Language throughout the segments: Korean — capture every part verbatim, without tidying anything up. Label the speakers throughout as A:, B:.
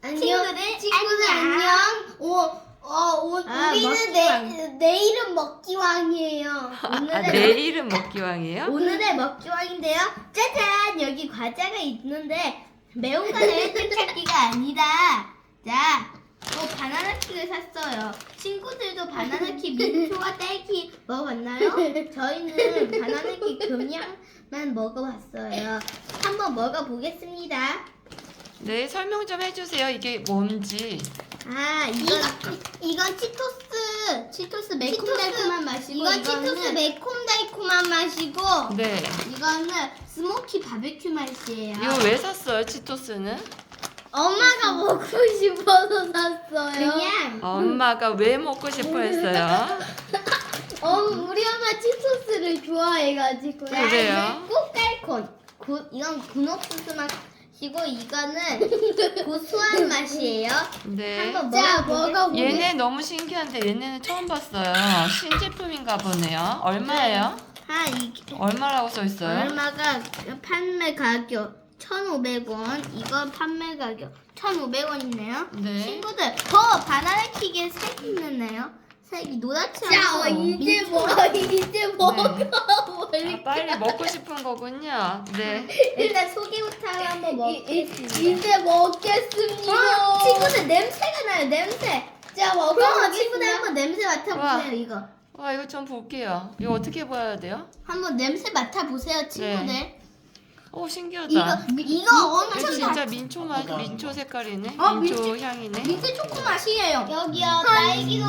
A: 안녕.
B: 친구들,
A: 친구들
B: 안녕.
A: 안녕. 오, 어, 오,
B: 아,
A: 우리는
B: 먹기왕.
A: 내, 내일은 먹기왕이에요.
C: 아,
A: 오늘의
C: 내일은 먹기왕이에요?
A: 오늘의 먹기왕인데요. 짜잔, 여기 과자가 있는데 매운 거는 뜯찾기가 아니다. 자, 또 바나나킥을 샀어요. 친구들도 바나나킥 민초와 딸기 먹어봤나요? 저희는 바나나킥 그냥만 먹어봤어요. 한번 먹어보겠습니다.
C: 네, 설명 좀 해주세요. 이게 뭔지.
A: 아, 이건 이건 치토스 치토스 매콤달콤한 맛이고 이건 치토스 매콤달콤한 맛이고
C: 네.
A: 이거는 스모키 바베큐 맛이에요.
C: 이거 왜 샀어요, 치토스는?
A: 엄마가 먹고 싶어서 샀어요. 그냥
C: 엄마가 왜 먹고 싶어 했어요?
A: 어, 우리 엄마 치토스를 좋아해가지고
C: 그래요?
A: 꽃갈콘 구, 이건 군옥수수 맛이고 이거는 고소한 맛이에요.
C: 네.
A: 한번 먹어보겠습니다.
C: 얘네 너무 신기한데 얘네는 처음 봤어요. 신제품인가 보네요. 얼마예요?
A: 아, 이게
C: 얼마라고 써 있어요?
A: 얼마가 판매 가격 천오백 원, 이거 판매 가격 천오백 원이네요.
C: 네.
A: 친구들, 저 바나나킥에 색 있는데요. 색이 노랗지 않고
B: 이제
A: 민초.
B: 먹어, 이제 먹어.
C: 아, 빨리 먹고 싶은 거군요. 네.
A: 일단 소개부터 한번 먹겠습니다.
B: 이제 먹겠습니다.
A: 어, 친구들 냄새가 나요, 냄새.
B: 자,
A: 그럼
B: 먹어.
A: 친구들 한번 냄새 맡아보세요,
C: 와.
A: 이거.
C: 와, 이거 좀 볼게요. 이거 어떻게 봐야 돼요?
A: 한번 냄새 맡아보세요, 친구들.
C: 네. 오, 신기하다.
A: 이거, 이거
C: 이거
A: 엄청
C: 진짜 민초 맛, 민초 색깔이네.
A: 어,
C: 민초
A: 민초-
C: 향이네.
A: 민트 초코 맛이에요. 여기요,
B: 아,
A: 딸기도.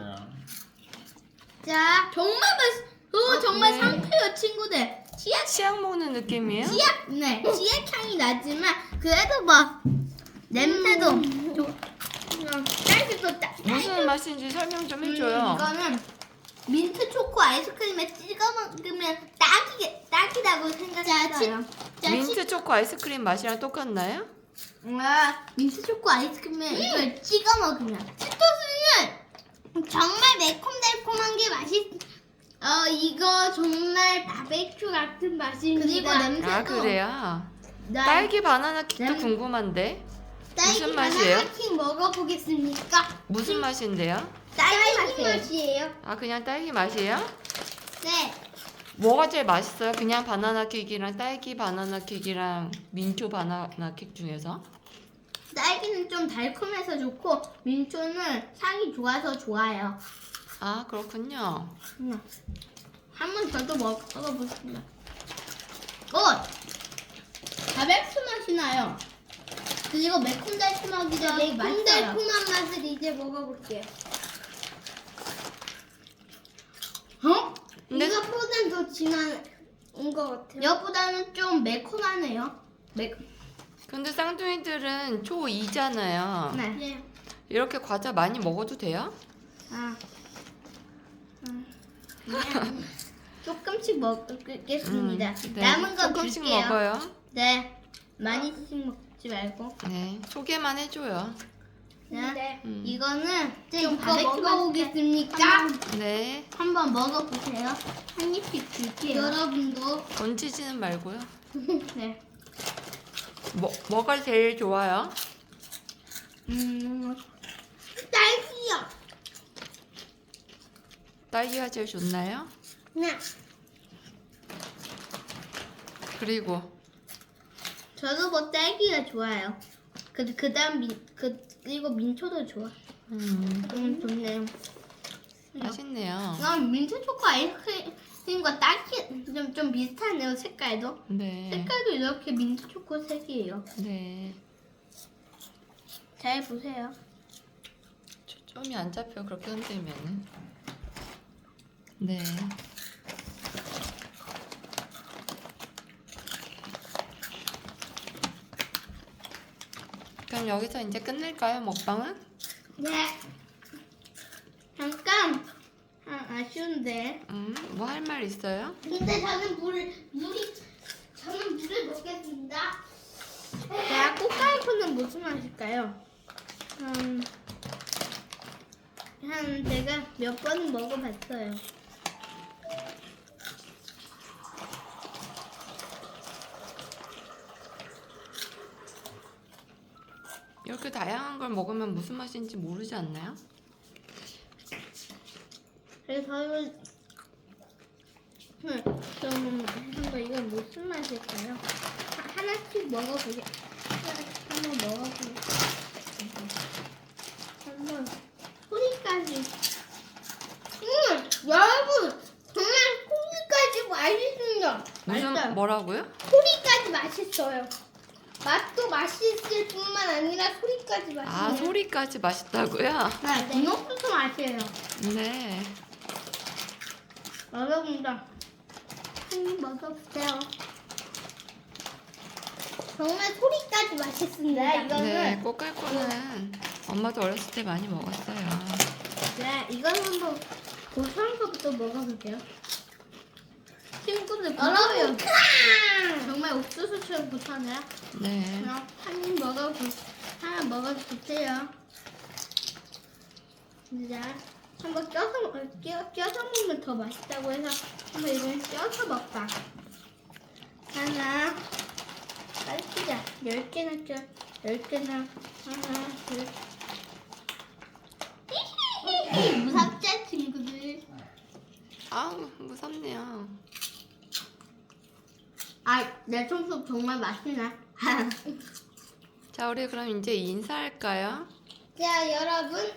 A: 자, 정말 맛, 어, 정말
C: 네.
A: 상쾌해요, 친구들. 치약,
C: 치약 먹는 느낌이에요?
A: 치약, 네, 치약 향이 나지만 그래도 막 냄새도 좀, 음, 딸기도 딸.
C: 무슨 맛인지 설명 좀 해줘요.
A: 이거는 민트 초코 아이스크림에 찍어 먹으면 딱이 딱이라고 생각했어요. 자,
C: 민트 초코 아이스크림 맛이랑 똑같나요?
A: 아, 민트 초코 아이스크림에 이걸 찍어 먹으면 치토스는 정말 매콤달콤한 게 맛있. 어, 이거 정말 바베큐 같은 맛입니다. 그리고 냄새도
C: 아, 그래요?
A: 나-
C: 딸기 바나나 킥도
A: 냄-
C: 궁금한데.
A: 딸기
C: 무슨 맛이에요?
A: 바나나킥 먹어보겠습니까?
C: 무슨 맛인데요?
A: 딸기 맛이에요.
C: 아, 그냥 딸기 맛이에요?
A: 네.
C: 뭐가 제일 맛있어요? 그냥 바나나 킥이랑 딸기 바나나 킥이랑 민초 바나나 킥 중에서?
A: 딸기는 좀 달콤해서 좋고 민초는 향이 좋아서 좋아요.
C: 아, 그렇군요.
A: 음. 한번 저도 먹어보겠습니다. 오! 바베큐 맛이 나요. 그리고 매콤달콤하기도 하고
B: 매콤달콤한 맛을 이제 먹어볼게요.
A: 어?
C: 근데
B: 이것보단 더 진한 것 같아요.
A: 이것보다는 좀 매콤하네요. 매...
C: 근데 쌍둥이들은 초이잖아요.
A: 네.
B: 네.
C: 이렇게 과자 많이 먹어도 돼요?
A: 아. 음. 그냥 조금씩 먹겠습니다.
C: 음, 네.
A: 남은 거
C: 조금씩
A: 줄게요.
C: 먹어요.
A: 네. 많이씩 먹지 말고.
C: 네. 소개만 해줘요.
A: 네.
B: 네.
C: 음.
A: 이거는
B: 좀
A: 좀
B: 이거
A: 바베큐
B: 먹어보겠습니까?
A: 맛인데
C: 네.
A: 한번 먹어보세요. 한 입씩 줄게요. 여러분도.
C: 던지지는 말고요.
A: 네.
C: 뭐, 뭐가 제일 좋아요?
A: 음.
B: 딸기요.
C: 딸기가 제일 좋나요?
B: 네.
C: 그리고
A: 저도 뭐 딸기가 좋아요. 그 그다음 민, 그 그리고 민초도 좋아.
C: 음,
A: 음, 좋네요.
C: 맛있네요.
A: 난 민트 초코 아이스크림과 딸기 좀, 좀 비슷하네요, 색깔도.
C: 네.
A: 색깔도 이렇게 민트 초코 색이에요.
C: 네.
A: 잘 보세요.
C: 초점이 안 잡혀 그렇게 흔들면은. 네. 그럼 여기서 이제 끝낼까요, 먹방은?
A: 네. 잠깐. 아, 아쉬운데.
C: 음, 뭐 할 말 있어요?
B: 근데 저는 물, 물이, 저는 물을 먹겠습니다.
A: 자, 꽃갈콘은 무슨 맛일까요? 음, 한 제가 몇 번은 먹어봤어요.
C: 이렇게 다양한 걸 먹으면 무슨 맛인지 모르지 않나요?
A: 그래서 이거 음, 그럼 한번 이건 무슨 맛일까요? 하- 하나씩 먹어보게. 하나씩 한번 먹어보게. 한번 소리까지. 음, 여러분 정말 소리까지 맛있습니다.
C: 무슨
A: 맛있어요.
C: 뭐라고요?
A: 소리까지 맛있어요. 맛도 맛있을 뿐만 아니라 소리까지 맛있어요.
C: 아 소리까지 맛있다고요?
A: 네, 분홍소스 맛이에요.
C: 네.
A: 여러분들 한입 먹어보세요. 정말 소리까지 맛있습니다. 네, 이거는
C: 네, 꼬깔꼬는 엄마도 어렸을 때 많이 먹었어요.
A: 네, 이거는 한번 고소한 거부터 먹어볼게요. 친구들 여러분 정말 옥수수처럼 고소하네요.
C: 네.
A: 그럼 한입 먹어보 하나 먹어주세요. 이제 한번 껴서 먹- 껴 껴서 먹으면 더 맛있다고 해서 한번 이걸 껴서 먹자. 하나, 빨리 자 열 개나 껴, 열 개나 하나, 둘. 무섭죠 친구들?
C: 아우 무섭네요.
A: 아, 내 청소 정말 맛있네.
C: 자 우리 그럼 이제 인사할까요?
A: 자, 여러분.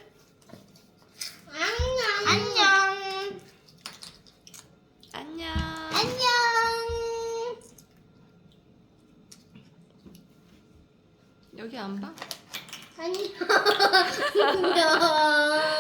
A: 안녕. 안녕.
C: 안녕.
A: 안녕.
C: 여기 안 봐?
A: 안녕. 안녕.